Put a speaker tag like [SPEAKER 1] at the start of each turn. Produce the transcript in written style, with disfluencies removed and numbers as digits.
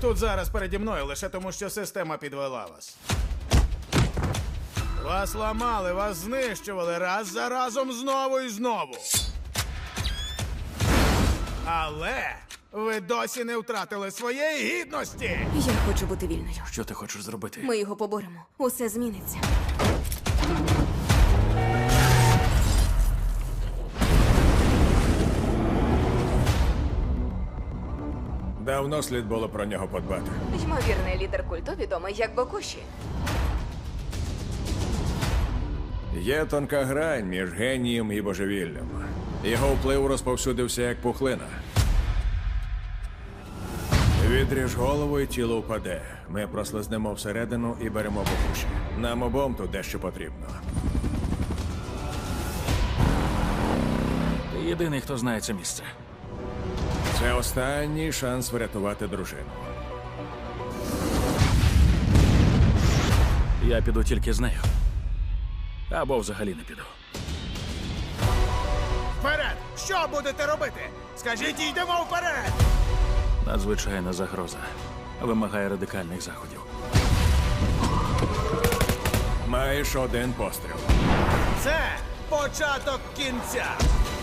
[SPEAKER 1] тут зараз переді мною лише тому, що система підвела вас. Вас ламали, вас знищували раз за разом знову і знову. Але ви досі не втратили своєї гідності.
[SPEAKER 2] Я хочу бути вільною.
[SPEAKER 3] Що ти хочеш зробити?
[SPEAKER 2] Ми його поборемо. Усе зміниться.
[SPEAKER 4] Давно слід було про нього подбати.
[SPEAKER 2] Ймовірний лідер культу відомий як Бокуші.
[SPEAKER 4] Є тонка грань між генієм і божевіллям. Його вплив розповсюдився як пухлина. Відріж голову і тіло впаде. Ми прослизнемо всередину і беремо Бокуші. Нам обом тут дещо потрібно.
[SPEAKER 3] Ти єдиний, хто знає це місце.
[SPEAKER 4] Це останній шанс врятувати дружину.
[SPEAKER 3] Я піду тільки з нею. Або взагалі не піду.
[SPEAKER 1] Вперед! Що будете робити? Скажіть, йдемо вперед!
[SPEAKER 3] Надзвичайна загроза. Вимагає радикальних заходів.
[SPEAKER 4] Маєш один постріл.
[SPEAKER 1] Це початок кінця.